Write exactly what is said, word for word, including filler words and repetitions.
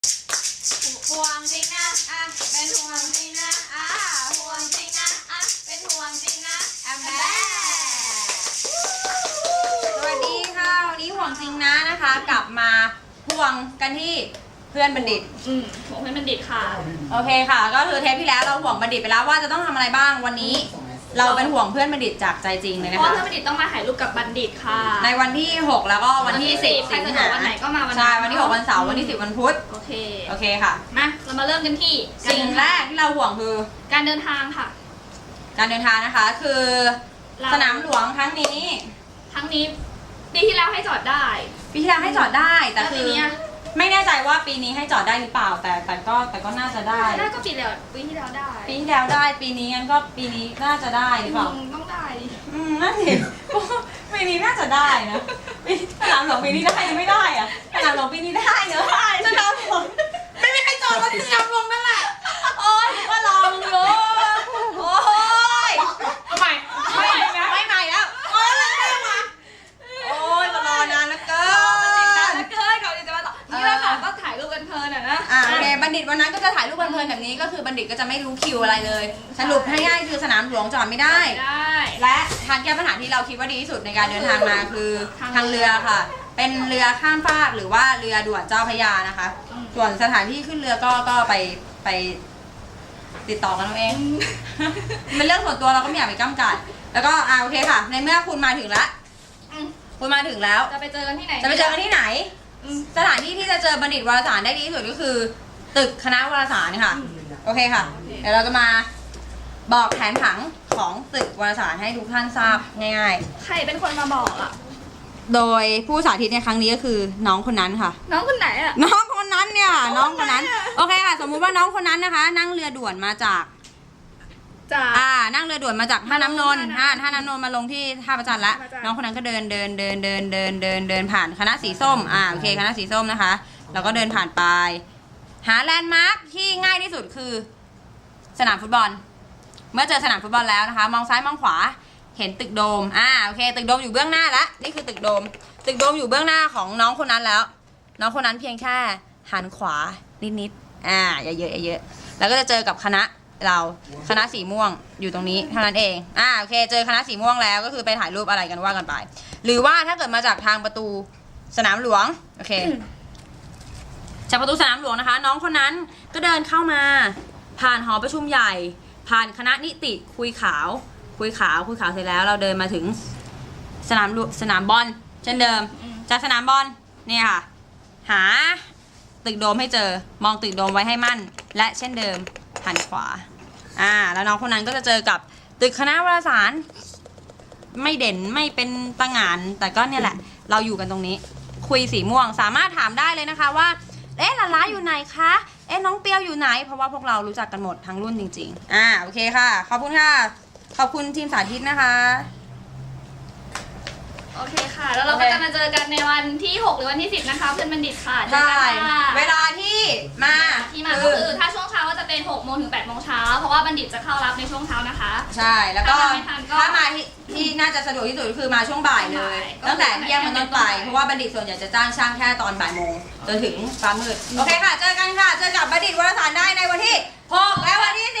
ห่วงจริงนะอ่ะเป็นห่วงจริงนะอ่ะห่วงจริงนะอ่ะเป็นห่วงจริงนะแอมแบสวัสดีค่ะวันนี้ห่วงจริงนะนะคะกลับมาห่วงกันที่เพื่อนบัณฑิตอืมห่วงเพื่อนบัณฑิตค่ะโอเคค่ะก็คือเทปที่แล้วเราห่วงบัณฑิตไปแล้วว่าจะต้องทำอะไรบ้างวันนี้เราเป็นห่วงเพื่อนบัณฑิตจากใจจริงเลยนะคะเพราะเพื่อนบัณฑิตต้องมาถ่ายรูปกับบัณฑิตค่ะในวันที่หกแล้วก็วันที่สิบใครสะดวกวันไหนก็มาวันนั้นใช่วันที่หกวันเสาร์วันที่สิบวันพุธโอเคโอเคค่ะมาเรามาเริ่มกันที่สิ่งแรกที่เราห่วงคือการเดินทางค่ะการเดินทางนะคะคือสนามหลวงครั้งนี้ครั้งนี้ปีที่แล้วให้จอดได้ปีที่แล้วให้จอดได้แต่คือปีนี้ไม่แน่ใจว่าปีนี้ให้จอดได้หรือเปล่าแต่แต่ก็แต่ก็น่าจะได้น่าก็ปีแล้วปีที่แล้วได้ปีที่แล้วได้ปีนี้งั้นก็ปีนี้น่าจะได้หรือเปล่าต้องได้อืมน่าสิปีนี้น่าจะได้นะปีสนามหลวงปีนี้ได้หรือไม่ได้อะสนามหลวงปีนี้ได้เนอะสนามหลวงไม่มีใครจอดรถสนามหลวงนั่นแหละโอ๊ยก็ลองอยู่โอ๊ยเอาใหม่ไม่ใหม่นะไม่ใหม่แล้วโอ๊ยอะไรได้มาโอ๊ยมารอนานแล้วเกินจริงนะแล้วเกินเขาจะมาต่อนี่แหละค่ะก็ถ่ายรูปกันเพลินอ่ะนะอ่าโอเคบัณฑิตวันนั้นก็จะถ่ายรูปเพลินๆแบบนี้ก็คือบัณฑิตก็จะไม่รู้คิวอะไรเลยสรุปให้ง่ายคือสนามหลวงจอดไม่ได้และทางแก้ปัญหาที่เราคิดว่าดีที่สุดในการเดินทางมาคือทางเรือค่ะเป็นเรือข้ามฟากหรือว่าเรือด่วนเจ้าพระยานะคะส่วนสถานที่ขึ้นเรือก็ก็ไปไปติดต่อกันเอาเองเป็นเรื่องส่วนตัวเราก็ไม่อยากไปก้ำกัดแล้วก็อ่าโอเคค่ะในเมื่อคุณมาถึงแล้วคุณมาถึงแล้วจะไปเจอกันที่ไหนจะไปเจอกันที่ไหนสถานที่ที่จะเจอบัณฑิตวารสารได้ดีที่สุดก็คือตึกคณะวารสารค่ะโอเคค่ะเดี๋ยวเราจะมาบอกแผนผังของตึกวารสารให้ทุกท่านทราบง่ายๆใครเป็นคนมาบอกอ่ะโดยผู้สาธิตในครั้งนี้ก็คือน้องคนนั้นค่ะน้องคนไหนอ่ะน้องคนนั้นเนี่ยน้องคนนั้นโอเคค่ะสมมุติว่าน้องคนนั้นนะคะนั่งเรือด่วนมาจากอ่านั่งเรือด่วนมาจากท่าน้ำนนท์ท่าท่าน้ำนนท์มาลงที่ท่าประจันละน้องคนนั้นก็เดินเดินเดินเดินเดินเดินเดินผ่านคณะสีส้มอ่าโอเคคณะสีส้มนะคะแล้วก็เดินผ่านไปหาแลนด์มาร์คที่ง่ายที่สุดคือสนามฟุตบอลเมื่อเจอสนามฟุตบอลแล้วนะคะมองซ้ายมองขวาเห็นตึกโดมอ่าโอเคตึกโดมอยู่เบื้องหน้าละนี่คือตึกโดมตึกโดมอยู่เบื้องหน้าของน้องคนนั้นแล้วน้องคนนั้นเพียงแค่หันขวานิดๆอ่าอย่าเยอะอย่าเยอะแล้วก็จะเจอกับคณะเราคณะสีม่วงอยู่ตรงนี้เท่านั้นเองอ่าโอเคเจอคณะสีม่วงแล้วก็คือไปถ่ายรูปอะไรกันว่ากันไปหรือว่าถ้าเกิดมาจากทางประตูสนามหลวงโอเคจากประตูสนามหลวงนะคะน้องคนนั้นก็เดินเข้ามาผ่านหอประชุมใหญ่ผ่านคณะนิติคุยขาวคุยขาวคุยขาวเสร็จแล้วเราเดินมาถึงสนามสนามบอลเช่นเดิมจากสนามบอลนี่ค่ะหาตึกโดมให้เจอมองตึกโดมไว้ให้มั่นและเช่นเดิมหันขวาอ่าแล้วน้องคนนั้นก็จะเจอกับตึกคณะวารสารไม่เด่นไม่เป็นตะหง่านแต่ก็เนี่ยแหละเราอยู่กันตรงนี้คุยสีม่วงสามารถถามได้เลยนะคะว่าเอ๊ะลาล้าอยู่ไหนคะเอ๊ะน้องเปียวอยู่ไหนเพราะว่าพวกเรารู้จักกันหมดทั้งรุ่นจริงๆอ่าโอเคค่ะขอบคุณค่ะขอบคุณทีมสาธิตนะคะโอเคค่ะแล้วเราก็จะมาเจอกันในวันที่หกหรือวันที่สิบนะคะเพื่อนบัณฑิตค่ะใช่เวลาที่มาที่มาก็คือถ้าช่วงเช้าก็จะเป็นหกโมงถึงแปดโมงเช้าเพราะว่าบัณฑิตจะเข้ารับในช่วงเช้านะคะใช่แล้วก็ถ้ามาที่ที่น่าจะสะดวกที่สุดก็คือมาช่วงบ่ายเลยตั้งแต่เที่ยงเป็นต้นไปเพราะว่าบัณฑิตส่วนใหญ่จะจ้างช่างแค่ตอนบ่ายโมงจนถึงฟ้ามืดโอเคค่ะเจอกันค่ะเจอกับบัณฑิตวารสารได้ในวันที่หกและวันที่สิ